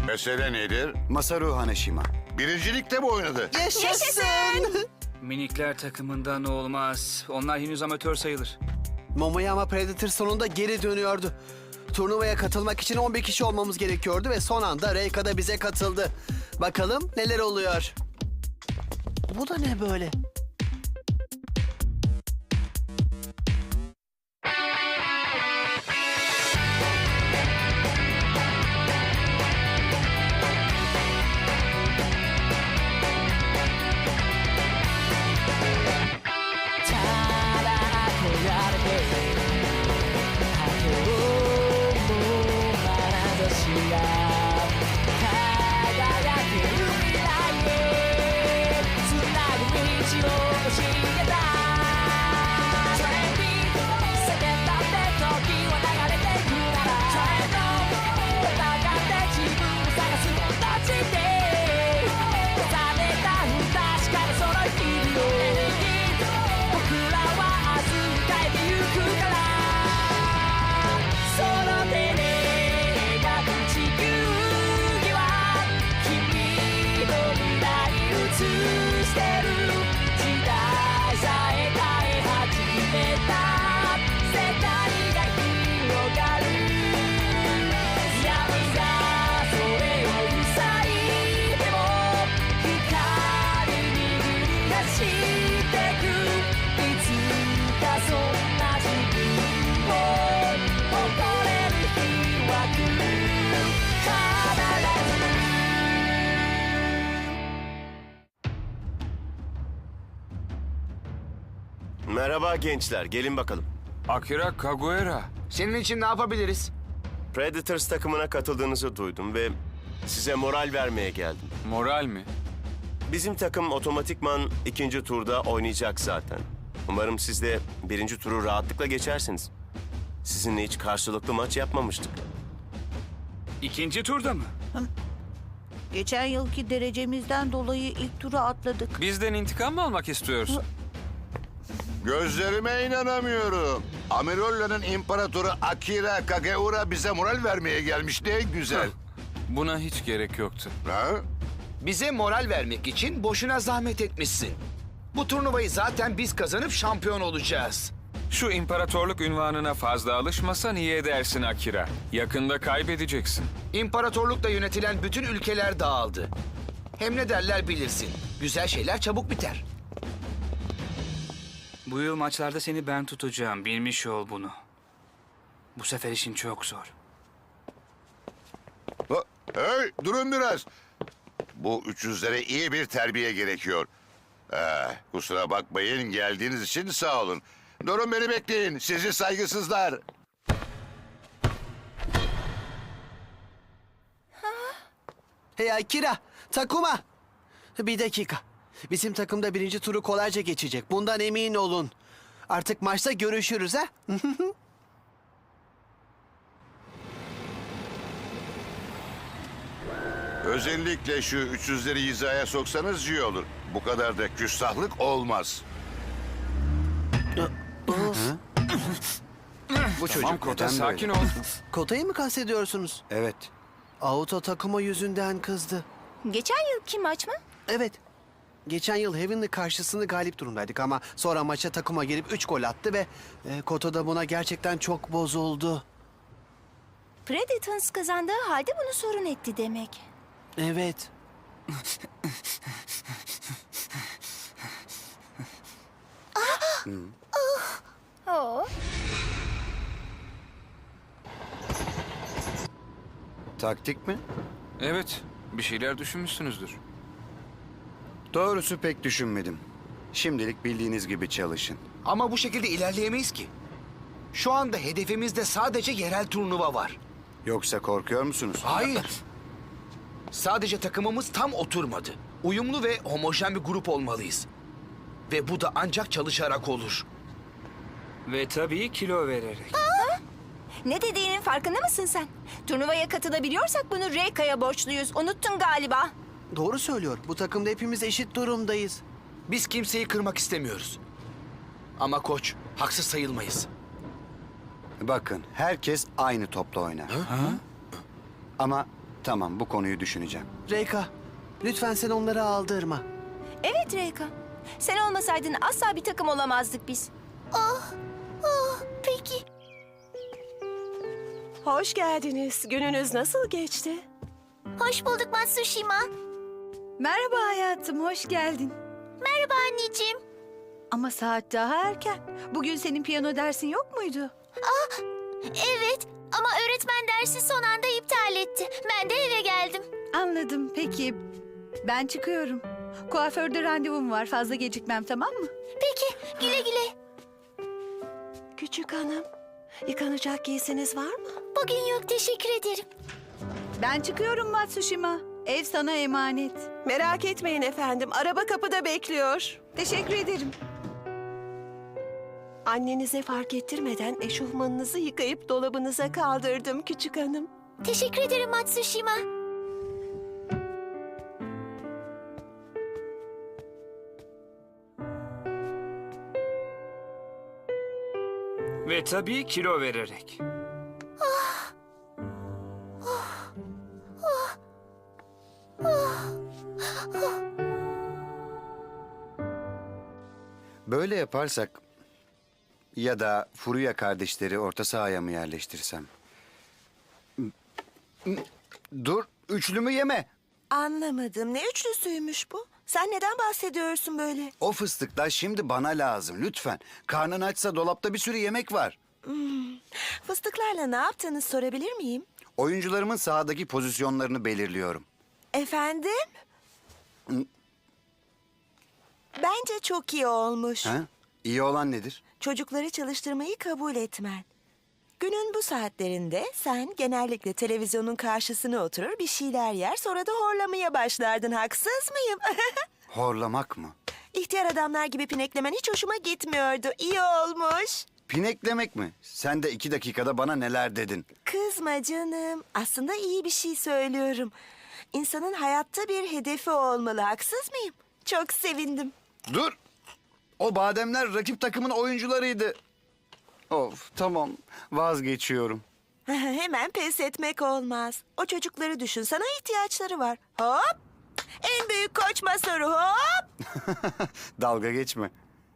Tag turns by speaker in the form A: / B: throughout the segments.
A: Mesele nedir?
B: Masaru Haneshima.
A: Birincilikte mi oynadı?
C: Yaşasın!
D: Minikler takımından olmaz. Onlar henüz amatör sayılır.
C: Momoyama Predator sonunda geri dönüyordu. Turnuvaya katılmak için 11 kişi olmamız gerekiyordu ve son anda Reika da bize katıldı. Bakalım neler oluyor. Bu da ne böyle?
E: Merhaba gençler, gelin bakalım.
F: Akira Kaguera.
G: Senin için ne yapabiliriz?
E: Predators takımına katıldığınızı duydum ve size moral vermeye geldim.
F: Moral mi?
E: Bizim takım otomatikman ikinci turda oynayacak zaten. Umarım siz de birinci turu rahatlıkla geçersiniz. Sizinle hiç karşılıklı maç yapmamıştık.
D: İkinci turda mı?
H: Geçen yılki derecemizden dolayı ilk turu atladık.
F: Bizden intikam mı almak istiyorsun?
A: Gözlerime inanamıyorum. Amirolla'nın imparatoru Akira Kageura bize moral vermeye gelmiş. Ne güzel.
F: Buna hiç gerek yoktu.
A: Ha?
G: Bize moral vermek için boşuna zahmet etmişsin. Bu turnuvayı zaten biz kazanıp şampiyon olacağız.
F: Şu imparatorluk ünvanına fazla alışmasan iyi edersin Akira. Yakında kaybedeceksin.
G: İmparatorlukla yönetilen bütün ülkeler dağıldı. Hem ne derler bilirsin. Güzel şeyler çabuk biter.
D: Bu yıl maçlarda seni ben tutacağım. Bilmiş ol bunu. Bu sefer işin çok zor.
A: Hey, durun biraz. Bu 300'lere iyi bir terbiye gerekiyor. Kusura bakmayın, geldiğiniz için sağ olun. Durun, beni bekleyin, sizi saygısızlar.
C: Hey Akira, Takuma. Bir dakika. Bizim takımda birinci turu kolayca geçecek. Bundan emin olun. Artık maçta görüşürüz ha?
A: Özellikle şu 300'leri hizaya soksanız iyi olur. Bu kadar da küstahlık olmaz.
B: Bu çocuk
F: Tamam Kota,
B: neden
F: sakin
B: böyle?
F: ol.
C: Kota'yı mı kastediyorsunuz?
B: Evet.
C: Auto Takuma yüzünden kızdı.
H: Geçen yılki maç mı?
C: Evet. Geçen yıl Heavenly karşısında galip durumdaydık ama sonra maça Takuma gelip 3 gol attı ve Kota da buna gerçekten çok bozuldu.
H: Predators kazandığı halde bunu sorun etti demek.
C: Evet.
H: Oo.
B: Taktik mi?
F: Evet, bir şeyler düşünmüşsünüzdür.
B: Doğrusu pek düşünmedim. Şimdilik bildiğiniz gibi çalışın.
G: Ama bu şekilde ilerleyemeyiz ki. Şu anda hedefimizde sadece yerel turnuva var.
B: Yoksa korkuyor musunuz?
G: Hayır. Sadece takımımız tam oturmadı. Uyumlu ve homojen bir grup olmalıyız. Ve bu da ancak çalışarak olur.
D: Ve tabii kilo vererek.
H: Ne dediğinin farkında mısın sen? Turnuvaya katılabiliyorsak bunu Reika'ya borçluyuz. Unuttun galiba.
C: Doğru söylüyor. Bu takımda hepimiz eşit durumdayız.
G: Biz kimseyi kırmak istemiyoruz. Ama koç, haksız sayılmayız.
B: Bakın, herkes aynı topla oynar. Ama Tamam, bu konuyu düşüneceğim.
C: Reyka, lütfen sen onları aldırma.
H: Evet Reyka. Sen olmasaydın asla bir takım olamazdık biz.
I: Peki. Hoş geldiniz. Gününüz nasıl geçti?
J: Hoş bulduk Matsushima.
K: Merhaba hayatım, hoş geldin.
J: Merhaba anneciğim.
K: Ama saat daha erken. Bugün senin piyano dersin yok muydu?
J: Evet ama öğretmen dersi son anda iptal etti. Ben de eve geldim.
K: Anladım, peki. Ben çıkıyorum. Kuaförde randevum var, fazla gecikmem, tamam mı?
J: Peki güle güle.
I: Küçük hanım, yıkanacak giysiniz var mı?
J: Bugün yok, teşekkür ederim.
K: Ben çıkıyorum Matsushima. Ev sana emanet.
I: Merak etmeyin efendim. Araba kapıda bekliyor.
K: Teşekkür ederim.
I: Annenize fark ettirmeden eşofmanınızı yıkayıp dolabınıza kaldırdım küçük hanım.
J: Teşekkür ederim Matsushima.
D: Ve tabii kilo vererek.
B: Böyle yaparsak ya da Furuya kardeşleri orta sahaya mı yerleştirsem? Dur, üçlümü yeme.
I: Anlamadım. Ne üçlüsüymüş bu? Sen neden bahsediyorsun böyle?
B: O fıstıklar şimdi bana lazım lütfen. Karnın açsa dolapta bir sürü yemek var.
I: Fıstıklarla ne yaptığını sorabilir miyim?
B: Oyuncularımın sahadaki pozisyonlarını belirliyorum.
I: Efendim? Bence çok iyi olmuş.
B: Ha? İyi olan nedir?
I: Çocukları çalıştırmayı kabul etmen. Günün bu saatlerinde sen genellikle televizyonun karşısına oturur bir şeyler yer sonra da horlamaya başlardın. Haksız mıyım?
B: Horlamak mı?
I: İhtiyar adamlar gibi pineklemen hiç hoşuma gitmiyordu. İyi olmuş.
B: Pineklemek mi? Sen de 2 dakikada bana neler dedin?
I: Kızma canım. Aslında iyi bir şey söylüyorum. İnsanın hayatta bir hedefi olmalı. Haksız mıyım? Çok sevindim.
B: Dur! O bademler rakip takımın oyuncularıydı. Of, tamam. Vazgeçiyorum.
I: Hemen pes etmek olmaz. O çocukları düşün. Sana ihtiyaçları var. Hop! En büyük koç Masaru hop!
B: Dalga geçme.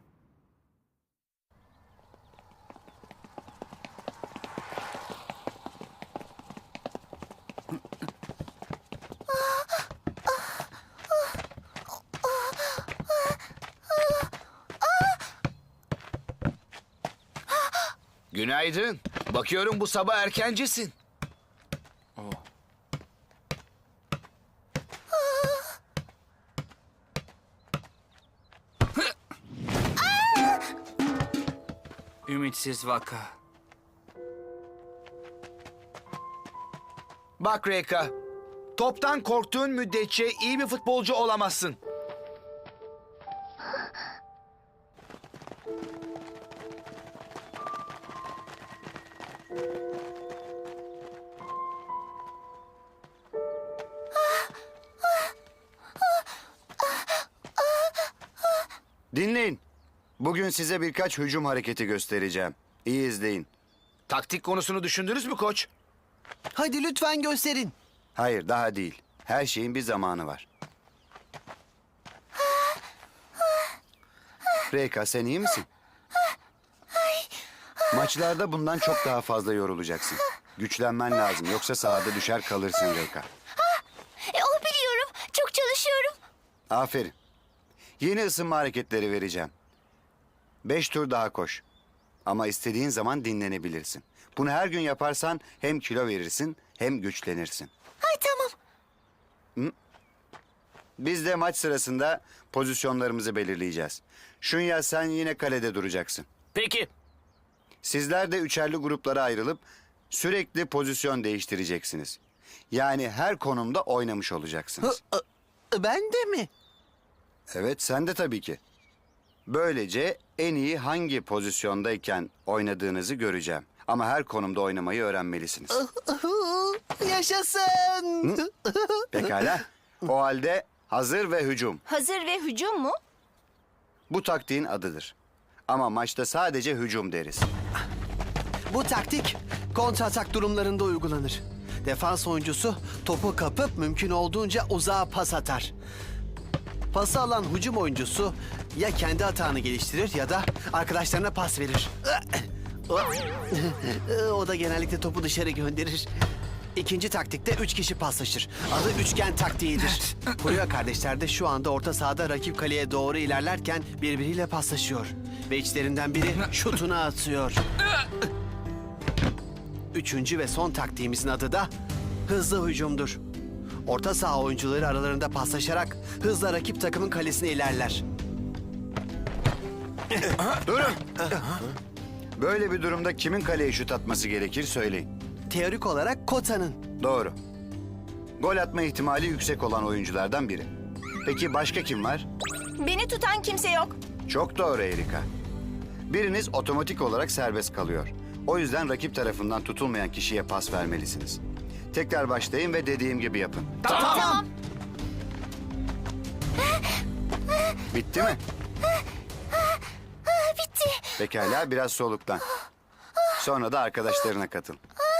G: Günaydın. Bakıyorum bu sabah erkencisin.
D: Ümitsiz vaka.
G: Bak Reyka, toptan korktuğun müddetçe iyi bir futbolcu olamazsın.
B: Dinleyin. Bugün size birkaç hücum hareketi göstereceğim. İyi izleyin.
G: Taktik konusunu düşündünüz mü koç?
C: Hadi lütfen gösterin.
B: Hayır, daha değil. Her şeyin bir zamanı var. Reyka, sen iyi misin? Maçlarda bundan çok daha fazla yorulacaksın. Güçlenmen lazım, yoksa sahada düşer kalırsın Reyka.
J: O biliyorum. Çok çalışıyorum.
B: Aferin. Yeni ısınma hareketleri vereceğim. 5 tur daha koş. Ama istediğin zaman dinlenebilirsin. Bunu her gün yaparsan hem kilo verirsin hem güçlenirsin.
J: Ay tamam.
B: Biz de maç sırasında pozisyonlarımızı belirleyeceğiz. Şunya, sen yine kalede duracaksın.
G: Peki.
B: Sizler de üçerli gruplara ayrılıp sürekli pozisyon değiştireceksiniz. Yani her konumda oynamış olacaksınız.
C: Ben de mi?
B: Evet, sen de tabii ki. Böylece en iyi hangi pozisyondayken oynadığınızı göreceğim. Ama her konumda oynamayı öğrenmelisiniz.
C: Yaşasın.
B: Pekala. O halde hazır ve hücum.
H: Hazır ve hücum mu?
B: Bu taktiğin adıdır. Ama maçta sadece hücum deriz.
C: Bu taktik kontratak durumlarında uygulanır. Defans oyuncusu topu kapıp mümkün olduğunca uzağa pas atar. Pası alan hücum oyuncusu ya kendi hatanı geliştirir ya da arkadaşlarına pas verir. O da genellikle topu dışarı gönderir. İkinci taktikte 3 kişi paslaşır. Adı üçgen taktiğidir. Puyo kardeşler de şu anda orta sahada rakip kaleye doğru ilerlerken birbiriyle paslaşıyor. Ve içlerinden biri şutunu atıyor. Üçüncü ve son taktiğimizin adı da hızlı hücumdur. Orta saha oyuncuları aralarında paslaşarak hızla rakip takımın kalesine ilerler.
B: Durun. Böyle bir durumda kimin kaleye şut atması gerekir söyleyin.
C: Teorik olarak Kota'nın.
B: Doğru. Gol atma ihtimali yüksek olan oyunculardan biri. Peki başka kim var?
H: Beni tutan kimse yok.
B: Çok doğru Erika. Biriniz otomatik olarak serbest kalıyor. O yüzden rakip tarafından tutulmayan kişiye pas vermelisiniz. Tekrar başlayın ve dediğim gibi yapın.
J: Tamam.
B: Bitti mi?
J: Bitti.
B: Pekala, biraz soluklan. Sonra da arkadaşlarına katıl.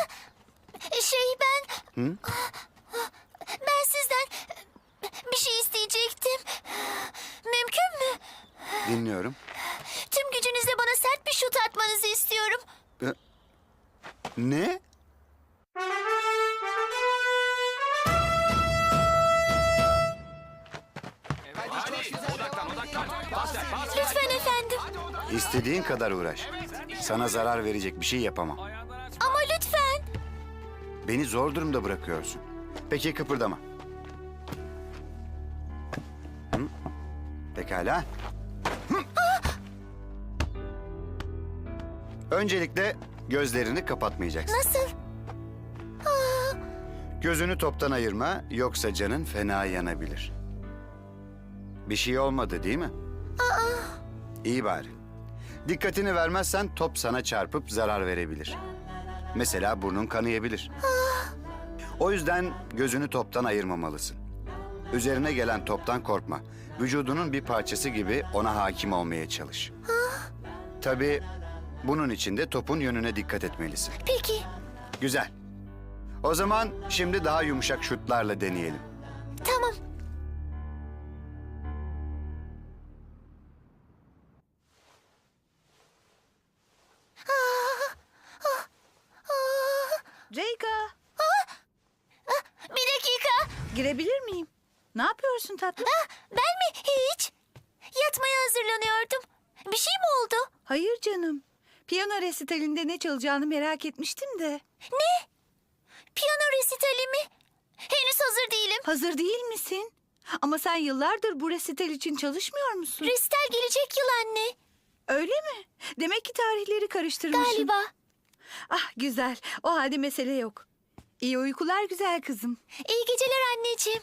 J: Ben sizden bir şey isteyecektim. Mümkün mü?
B: Dinliyorum.
J: Tüm gücünüzle bana sert bir şut atmanızı istiyorum.
B: Ne?
J: Lütfen efendim.
B: İstediğin kadar uğraş. Sana zarar verecek bir şey yapamam.
J: Ama lütfen.
B: Beni zor durumda bırakıyorsun. Peki kıpırdama. Hı? Pekala. Hı. Öncelikle gözlerini kapatmayacaksın.
J: Nasıl?
B: Gözünü toptan ayırma, yoksa canın fena yanabilir. Bir şey olmadı değil mi? İyi bari. Dikkatini vermezsen top sana çarpıp zarar verebilir. Mesela burnun kanayabilir. O yüzden gözünü toptan ayırmamalısın. Üzerine gelen toptan korkma. Vücudunun bir parçası gibi ona hakim olmaya çalış. Tabii bunun için de topun yönüne dikkat etmelisin.
J: Peki.
B: Güzel. O zaman şimdi daha yumuşak şutlarla deneyelim.
J: Tamam.
K: Reyka,
J: Bir dakika.
K: girebilir miyim? Ne yapıyorsun tatlım?
J: Ben mi? Hiç. Yatmaya hazırlanıyordum. Bir şey mi oldu?
K: Hayır canım. Piyano resitalinde ne çalacağını merak etmiştim de.
J: Ne? Piyano resitali mi? Henüz hazır değilim.
K: Hazır değil misin? Ama sen yıllardır bu resital için çalışmıyor musun?
J: Resital gelecek yıl anne.
K: Öyle mi? Demek ki tarihleri karıştırmışım.
J: Galiba.
K: Ah güzel. O halde mesele yok. İyi uykular güzel kızım.
J: İyi geceler anneciğim.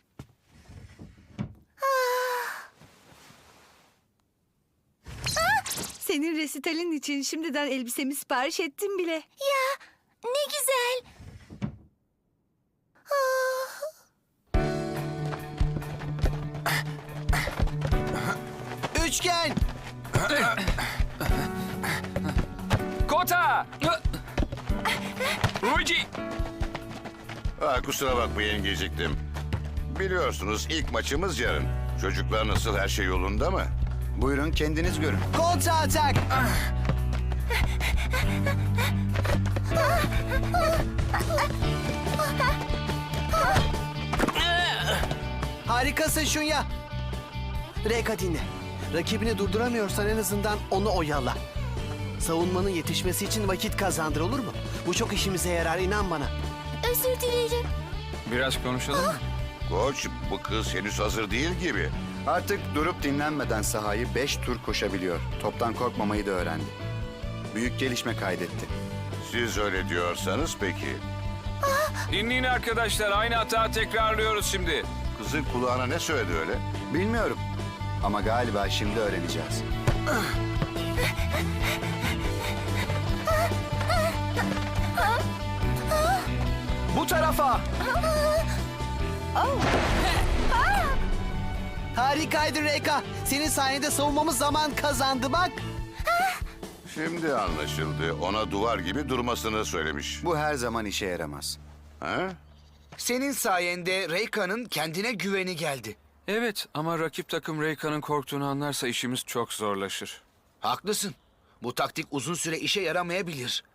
K: Senin resitalin için şimdiden elbisemi sipariş ettim bile.
J: Ya ne güzel.
C: Üçgen!
F: Kota! Ruji!
A: Kusura bakmayın geciktim. Biliyorsunuz ilk maçımız yarın. Çocuklar nasıl, her şey yolunda mı?
B: Buyurun kendiniz görün.
C: Kontra atak! Harikasın Şunya. Reyka dinle. Rakibini durduramıyorsan en azından onu oyala. Savunmanın yetişmesi için vakit kazandır, olur mu? Bu çok işimize yarar, inan bana.
J: Özür dilerim.
F: Biraz konuşalım mı?
A: Koç, bu kız henüz hazır değil gibi.
B: Artık durup dinlenmeden sahayı 5 tur koşabiliyor. Toptan korkmamayı da öğrendi. Büyük gelişme kaydetti.
A: Siz öyle diyorsanız peki.
F: Dinleyin arkadaşlar, aynı hata tekrarlıyoruz şimdi.
A: Kızın kulağına ne söyledi öyle?
B: Bilmiyorum ama galiba şimdi öğreneceğiz.
C: Bu tarafa! Harikaydı Reyka. Senin sayende savunmamız zaman kazandı bak.
A: Şimdi anlaşıldı. Ona duvar gibi durmasını söylemiş.
B: Bu her zaman işe yaramaz.
A: Ha?
G: Senin sayende Reyka'nın kendine güveni geldi.
F: Evet ama rakip takım Reyka'nın korktuğunu anlarsa işimiz çok zorlaşır.
G: Haklısın. Bu taktik uzun süre işe yaramayabilir.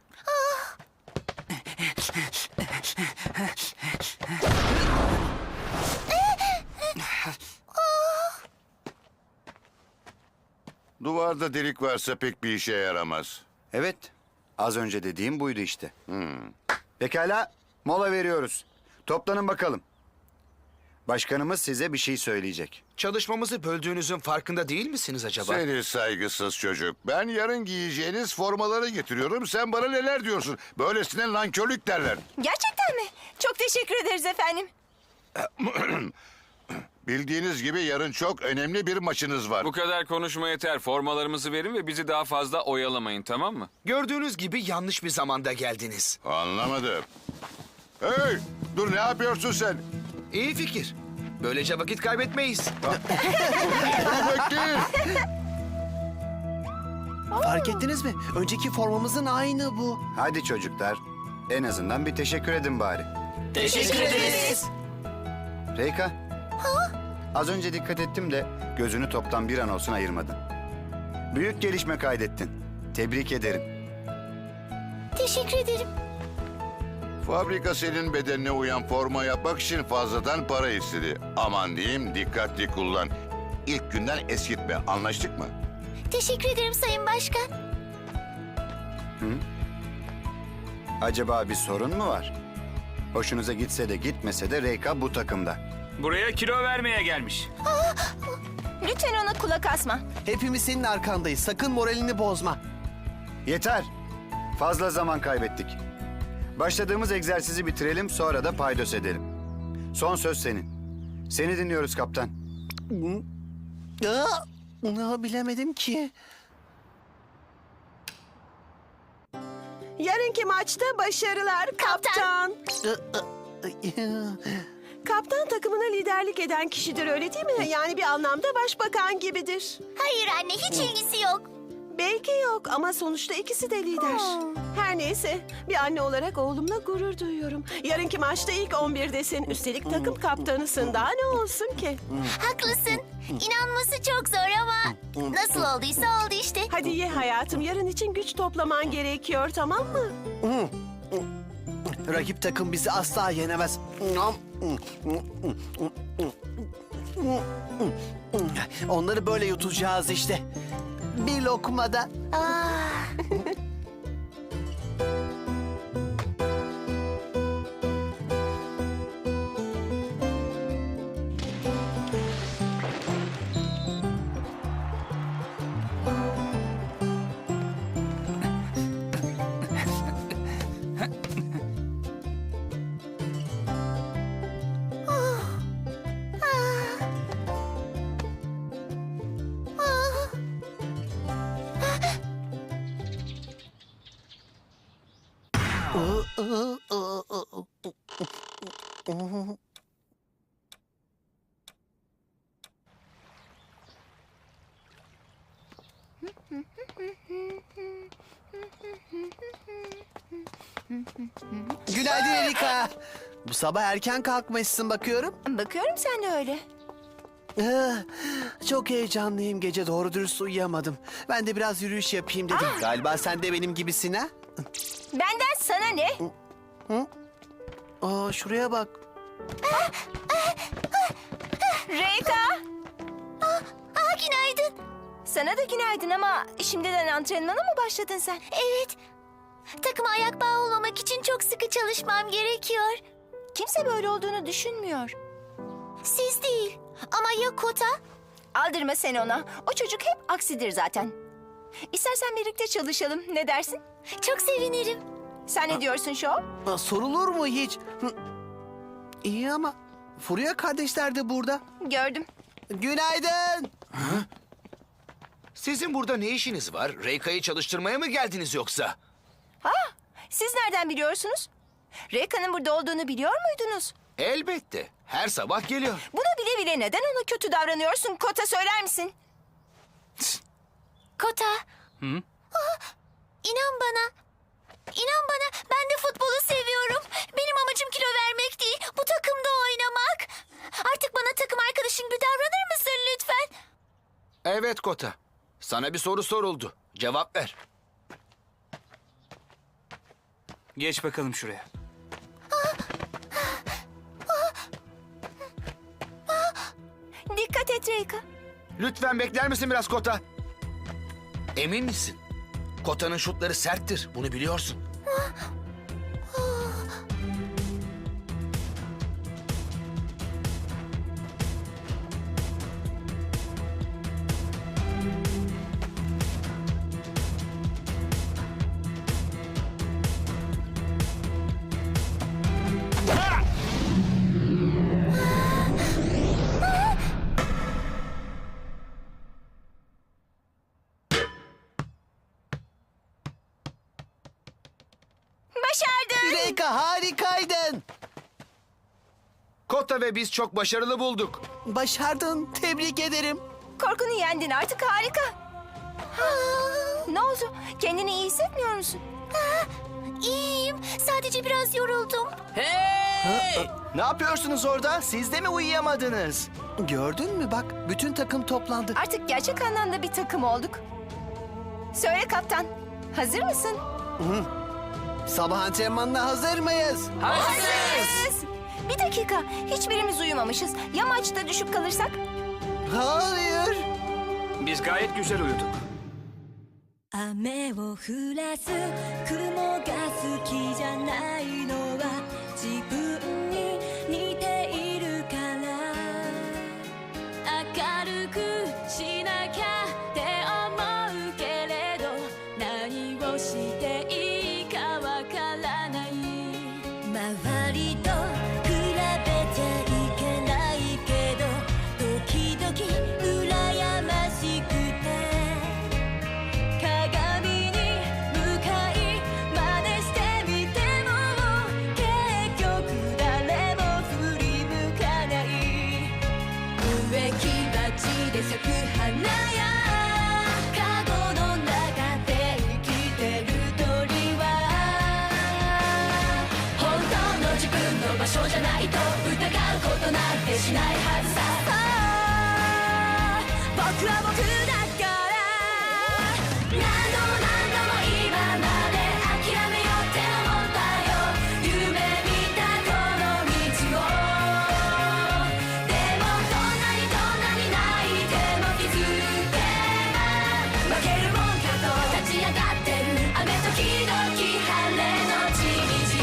A: Duvarda delik varsa pek bir işe yaramaz.
B: Evet, az önce dediğim buydu işte. Pekala, mola veriyoruz. Toplanın bakalım. Başkanımız size bir şey söyleyecek.
G: Çalışmamızı böldüğünüzün farkında değil misiniz acaba?
A: Seni saygısız çocuk. Ben yarın giyeceğiniz formaları getiriyorum. Sen bana neler diyorsun? Böylesine nankörlük derler.
H: Gerçekten mi? Çok teşekkür ederiz efendim.
A: Bildiğiniz gibi yarın çok önemli bir maçınız var.
F: Bu kadar konuşma yeter. Formalarımızı verin ve bizi daha fazla oyalamayın, tamam mı?
G: Gördüğünüz gibi yanlış bir zamanda geldiniz.
A: Anlamadım. Hey! Dur, ne yapıyorsun sen?
G: İyi fikir. Böylece vakit kaybetmeyiz.
A: Bekleyin.
C: Fark ettiniz mi? Önceki formamızın aynı bu.
B: Hadi çocuklar, en azından bir teşekkür edin bari.
C: Teşekkür ederiz.
B: Reyka. Az önce dikkat ettim de gözünü toptan bir an olsun ayırmadın. Büyük gelişme kaydettin. Tebrik ederim.
J: Teşekkür ederim.
A: Fabrika senin bedenine uyan forma yapmak için fazladan para istedi. Aman diyeyim, dikkatli kullan. İlk günden eskitme. Anlaştık mı?
J: Teşekkür ederim Sayın Başkan.
B: Acaba bir sorun mu var? Hoşunuza gitse de gitmese de Reyka bu takımda.
D: Buraya kilo vermeye gelmiş.
H: Lütfen ona kulak asma.
C: Hepimiz senin arkandayız. Sakın moralini bozma.
B: Yeter. Fazla zaman kaybettik. Başladığımız egzersizi bitirelim, sonra da paydos edelim. Son söz senin. Seni dinliyoruz kaptan.
C: Bilemedim ki.
I: Yarınki maçta başarılar kaptan. Kaptan takımına liderlik eden kişidir, öyle değil mi? Yani bir anlamda başbakan gibidir.
J: Hayır anne, hiç ilgisi yok.
I: Belki yok ama sonuçta ikisi de lider. Her neyse, bir anne olarak oğlumla gurur duyuyorum. Yarınki maçta ilk 11'desin. Üstelik takım kaptanısın. Daha ne olsun ki?
J: Haklısın. İnanması çok zor ama nasıl olduysa oldu işte.
I: Hadi ye hayatım. Yarın için güç toplaman gerekiyor, tamam mı?
C: Rakip takım bizi asla yenemez. Onları böyle yutacağız işte. Bir lokmada. Günaydın Erika. Bu sabah erken kalkmışsın bakıyorum.
H: Bakıyorum sen de öyle.
C: Çok heyecanlıyım. Gece doğru dürüst uyuyamadım. Ben de biraz yürüyüş yapayım dedim. Galiba sen de benim gibisin ha?
H: Benden sana ne?
C: Şuraya bak.
H: Reyka!
J: Günaydın.
H: Sana da günaydın ama şimdiden antrenmana mı başladın sen?
J: Evet. Takıma ayak bağı olmamak için çok sıkı çalışmam gerekiyor.
H: Kimse böyle olduğunu düşünmüyor.
J: Siz değil. Ama ya Kota?
H: Aldırma sen ona. O çocuk hep aksidir zaten. İstersen birlikte çalışalım. Ne dersin?
J: Çok sevinirim.
H: Sen ne diyorsun Şov?
C: Sorulur mu hiç? İyi ama Furya kardeşler de burada.
H: Gördüm.
C: Günaydın.
G: Sizin burada ne işiniz var? Reyka'yı çalıştırmaya mı geldiniz yoksa?
H: Siz nereden biliyorsunuz? Reyka'nın burada olduğunu biliyor muydunuz?
G: Elbette. Her sabah geliyor.
H: Bunu bile bile neden ona kötü davranıyorsun? Kota söyler misin?
J: Kota. İnan bana. İnan bana, ben de futbolu seviyorum. Benim amacım kilo vermek değil, bu takımda oynamak. Artık bana takım arkadaşın gibi davranır mısın lütfen?
G: Evet Kota. Sana bir soru soruldu. Cevap ver.
D: Geç bakalım şuraya.
H: Dikkat et Reyka.
G: Lütfen bekler misin biraz Kota? Emin misin? Kota'nın şutları serttir. Bunu biliyorsun.
H: Başardın.
C: Reyka harikaydın.
G: Kota ve biz çok başarılı bulduk.
C: Başardın. Tebrik ederim.
H: Korkunu yendin, artık harika. Ne oldu? Kendini iyi hissetmiyor musun?
J: İyiyim, sadece biraz yoruldum.
C: Ne yapıyorsunuz orada? Siz de mi uyuyamadınız? Gördün mü bak, bütün takım toplandı.
H: Artık gerçek anlamda bir takım olduk. Söyle kaptan, hazır mısın?
C: Sabah antrenmanına hazır mıyız?
H: Hazırız. Bir dakika, hiçbirimiz uyumamışız. Ya maçta düşüp kalırsak?
C: Hayır.
D: Biz gayet güzel uyuduk.
J: 雨を降らす雲が好きじゃないのは自分に似ているから明るくしなきゃって思うけれど何をしていいかわからない周りと比べちゃいけないけど時々羨ましくて鏡に向かい真似してみても結局誰も振り向かない植木鉢で咲く花やカゴの中で生きてる鳥は本当の自分の場所じゃないと疑うことなんてしないはずさ僕は僕だから何度も今まで諦めようって思ったよ夢見たこの道をでもどんなに泣いても気づけば負けるもんかと立ち上がってる雨時々晴れのちみち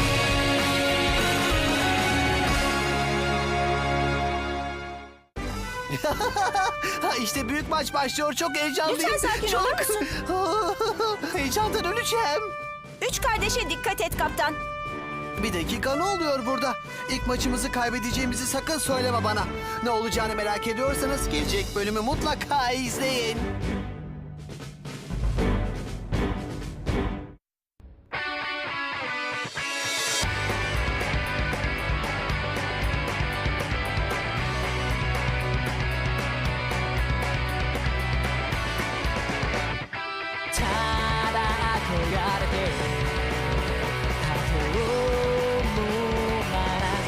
C: İşte büyük maç başlıyor. Çok heyecanlıyım.
H: Lütfen sakin olur musun?
C: Heyecandan öleceğim.
H: 3 kardeşe dikkat et kaptan.
C: Bir dakika, ne oluyor burada? İlk maçımızı kaybedeceğimizi sakın söyleme bana. Ne olacağını merak ediyorsanız gelecek bölümü mutlaka izleyin.